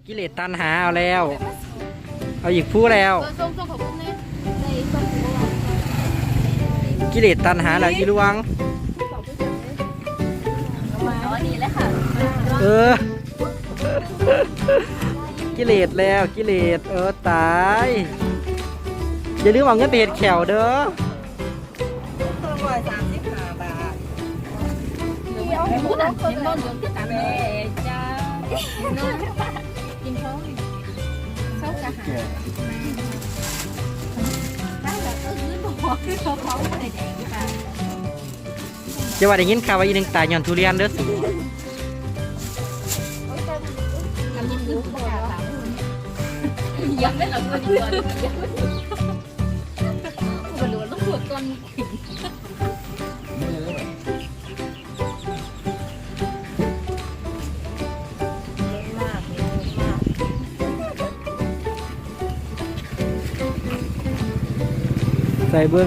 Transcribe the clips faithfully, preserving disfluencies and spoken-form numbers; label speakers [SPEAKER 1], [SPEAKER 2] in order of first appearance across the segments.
[SPEAKER 1] กิเลสตัณหาเอาแล้วเอาอีกผู้แล้วกิเลสตัณหาแล้วอีลวงเออกิเลสแล้วกิเลสเออตายอย่าลืมเอาเงินไปเห็ดแขวเด้อ
[SPEAKER 2] ร้อยสามสิบห้าบาท
[SPEAKER 3] พูดอ่ะเห็นบ้านเดือดที่ตามแม่จ้ากินเขาเศร้ากระหายนั่งแบบเออยืนบอกคือเขาเขาอะไรแดงค่ะ
[SPEAKER 1] จะว่าได้ยินข่าวว่าอีหนึ่งตายย้อนทุเรียนเด้อสู
[SPEAKER 3] ยังไม่หลับเลยก่อนมันหลวนต้องปวดก้อน
[SPEAKER 1] ใส่เบิ้ง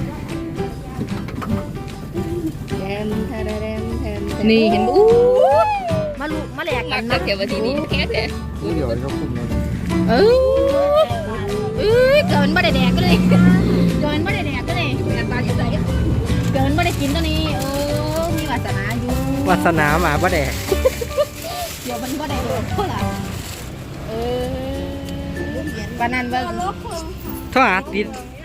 [SPEAKER 3] นี่เห็นอู้
[SPEAKER 2] มาลุมาแหลกกัน
[SPEAKER 3] นั
[SPEAKER 2] นะ
[SPEAKER 3] กเกี่ยวกับทีนี้แค่แต่
[SPEAKER 4] เดี๋ยวเขาคุมเลย
[SPEAKER 3] เออเอ้ยเกินไม่ได้แดกก็เลยเกินไม่ได้แดกก็เลยแดกปลาอยู่ไหนเกินไม่ได้กินตัวนี้เออมีวาสนาอยู่
[SPEAKER 1] วาสนาหมาบ่แดก
[SPEAKER 3] เดี๋ยวมันบ่ได้เท่าไหร่เออวันนั้นว่า
[SPEAKER 1] โทรหาติด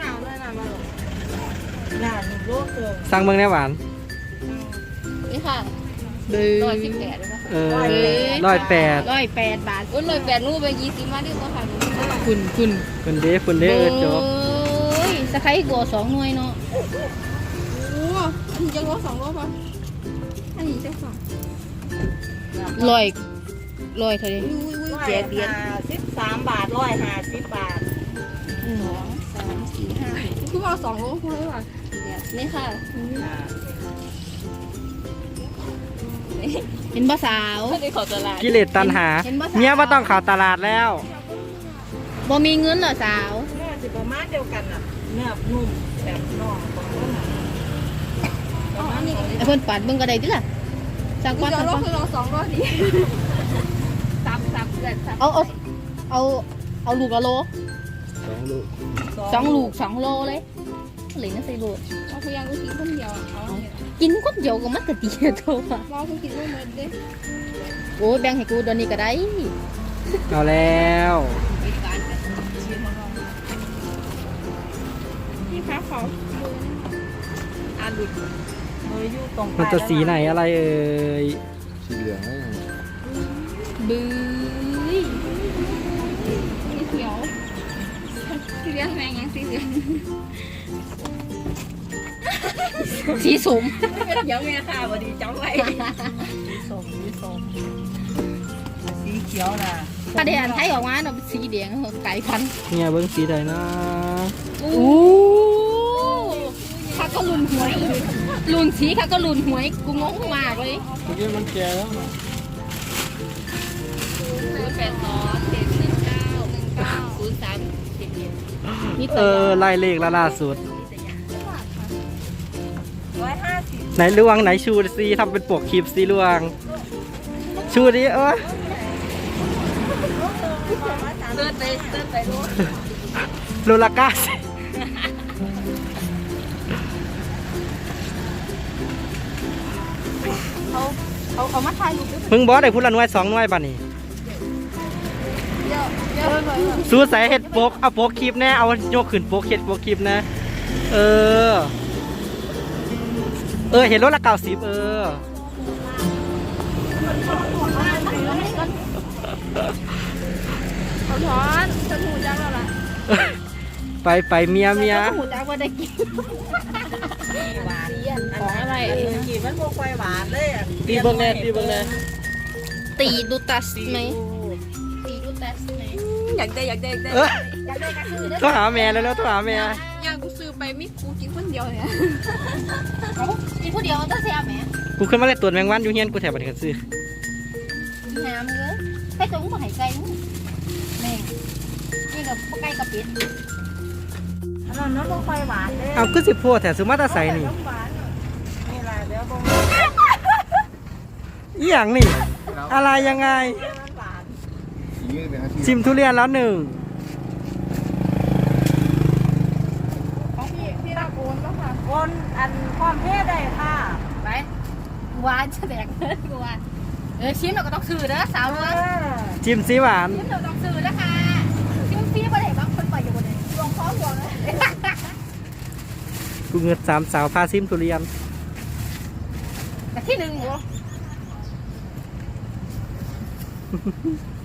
[SPEAKER 1] สั่งเบิ้งแน่หวาน
[SPEAKER 3] นี่ค่ะร้อยสิบแปดหรือเปล่า
[SPEAKER 1] เออร้อยแปด
[SPEAKER 3] ร้อยแปดบาทอุ้ยร้อยแปดนู่นไปยี่สิบมาดิว่าค่ะคุณคุณ
[SPEAKER 1] คุณเด้คุณเด้เออจบ
[SPEAKER 3] โอ้ยสะไคร้กัวสองหน่วยเนาะ
[SPEAKER 2] โอ้อันนี้จะโลสองโลป่ะอันนี้จะสอง
[SPEAKER 3] ลอยลอยเท่าไหร่
[SPEAKER 2] เจ็ดเดือนสิบสามบาทร้อยห้าสิบบาท
[SPEAKER 3] สองสามสี่ห้า
[SPEAKER 2] คือว่าสองโลคุณได้ป่ะ
[SPEAKER 3] นี่ค่ะเห็นภาษาว
[SPEAKER 1] กิเลสตัณหาเมียว่าต้องข่าวตลาดแล้ว
[SPEAKER 3] บ่มีเงินเหรอสาว
[SPEAKER 2] เนื้อสิประมาณเดียวกันอ่ะเนื้อนุ่มแบบน่องของต้นอ๋ออันนี้
[SPEAKER 3] ไอ้เพิ่นปัดเบิ่งก็ได้ติล่ะสั่งก่อนสั่งก่อน
[SPEAKER 2] คือเราสองร้อยดีซับซับเกิดซับ
[SPEAKER 3] เอาเอาเอาเอาลูกละโล
[SPEAKER 4] สองลูก
[SPEAKER 3] สองลูกสองโลเลยเหลือใส่โล
[SPEAKER 2] เอาพยายามกินคนเดียวเอา
[SPEAKER 3] กินคนเดียวก็มันก็ดีโตว่ะ
[SPEAKER 2] เราเพิ่งกินลูกมันดิ
[SPEAKER 3] โอ้ยแบ่งให้กูเดี๋ยวนี้ก็ได้
[SPEAKER 1] เอาแล้ว
[SPEAKER 2] พี่คะขออาลุดเฮ้ยอยู่ตรง
[SPEAKER 1] มันจะสีไหนอะไรเอ่ย
[SPEAKER 4] สีเหลืองนะ
[SPEAKER 3] บื้อ
[SPEAKER 2] สีเขียวสีเหลืองแมงยังสีเหลือง
[SPEAKER 3] สีสม
[SPEAKER 2] เดี๋ยวแม่ค่ะวันนี้จ้องไว้สีส้มสีส้มสีเขียวน่ะ
[SPEAKER 3] ประเดี๋ยวไทยออกมาเนาะสีแดงไก่พัน
[SPEAKER 1] เนี่ยเบิ้งสีใดนะ
[SPEAKER 3] อู้ข้าก็ลุนหวยลุนสีข้าก็ลุนหวยกูงงมากเลย
[SPEAKER 4] เมื่อกี้มันแก่แล้วนะ
[SPEAKER 3] แปดสองเจ็ดหนึ่งเก้าหนึ่งเก้าศูนย์สามสิบเอ็ด
[SPEAKER 1] เออไล่เลขละล่าสุด
[SPEAKER 2] ร้อยห้าสิบ
[SPEAKER 1] ไหนลวงไหนชูซีทำเป็นปกคลิปซีลวง ชูดิเอ้ย
[SPEAKER 2] เติร์ดไปเติร์ดไปรู้
[SPEAKER 1] โลลาก้าสิ
[SPEAKER 2] เขาเขาเขามาถ่ายรูปด้วย
[SPEAKER 1] เพิ่งบอสได้พูดละหน่วยสองหน่วยป่ะนี่
[SPEAKER 2] เยอะเยอะเลย
[SPEAKER 1] สู้ใส่เห็ดโปกเอาโปกคลิปแน่เอาโยกขึ้นโปกเห็ดโปกคลิปนะเออเออเห็นรถละเก้าสิบเออ
[SPEAKER 2] เขาถอนฉันหูจังแล้วล่ะ
[SPEAKER 1] ไปไปเมียเมีย
[SPEAKER 3] หูจักว่าได้กิน
[SPEAKER 2] หวาน
[SPEAKER 3] ของอะไร
[SPEAKER 2] กินมันโมควายหวานเลย
[SPEAKER 1] ตีเบิ้งแน่ตีเบิ้งแน่
[SPEAKER 3] ตีดูตัสไหมตีดูตัสไหม
[SPEAKER 2] อยากได้อยากได้อยากได้
[SPEAKER 1] เออ
[SPEAKER 3] อยากได้ก็ซื้อได้
[SPEAKER 1] โทรหาแม่แล้วแล้วโทรหาแม่
[SPEAKER 2] อยากกูซื้อไปมิกูกินคนเดียวเนี่ย
[SPEAKER 3] กินผู้เดียวต้องเสียแหม
[SPEAKER 1] กูขึ้นมาเลยตรวจแมงวันอยู่เฮียนกูแถวบัตรกันซื้อ
[SPEAKER 3] น้ำเลยให้ตรงมาหายใจแม่นี่กับไก่กับเป็ด
[SPEAKER 2] อันนั้นน้ำโมควายหวานเลย
[SPEAKER 1] เอาก็สิพูดแถวซื้อมาตาใสนี่
[SPEAKER 2] นี่แหละเดี๋ยวบง
[SPEAKER 1] อีหยังนี่อะไรยังไง
[SPEAKER 2] หวาน
[SPEAKER 1] อ
[SPEAKER 4] สีเป็นอาชีพ
[SPEAKER 1] ชิมทุเรียนแล้วหนึ่ง
[SPEAKER 3] ของพี่พี่รับโอนแล้วค่ะ
[SPEAKER 2] คนอันความเพศได้ค่ะ
[SPEAKER 3] ไปกูว่าจะแดกเลยกูว่าเออชิมเราก็ต้องซื้อเด้อสาว
[SPEAKER 2] เอ
[SPEAKER 3] เด้อ
[SPEAKER 2] อ
[SPEAKER 1] ชิมซีหวาน
[SPEAKER 3] ชิมเราต้องซื้อนะคะชิมฟรีบ่ได้บางคนปล่อยอยู่บนนี้รวมพร้อมรวมเลย
[SPEAKER 1] กูเงินสามสาวพาชิมทุเรียน
[SPEAKER 3] แต่ที่หนึ่งเหรอ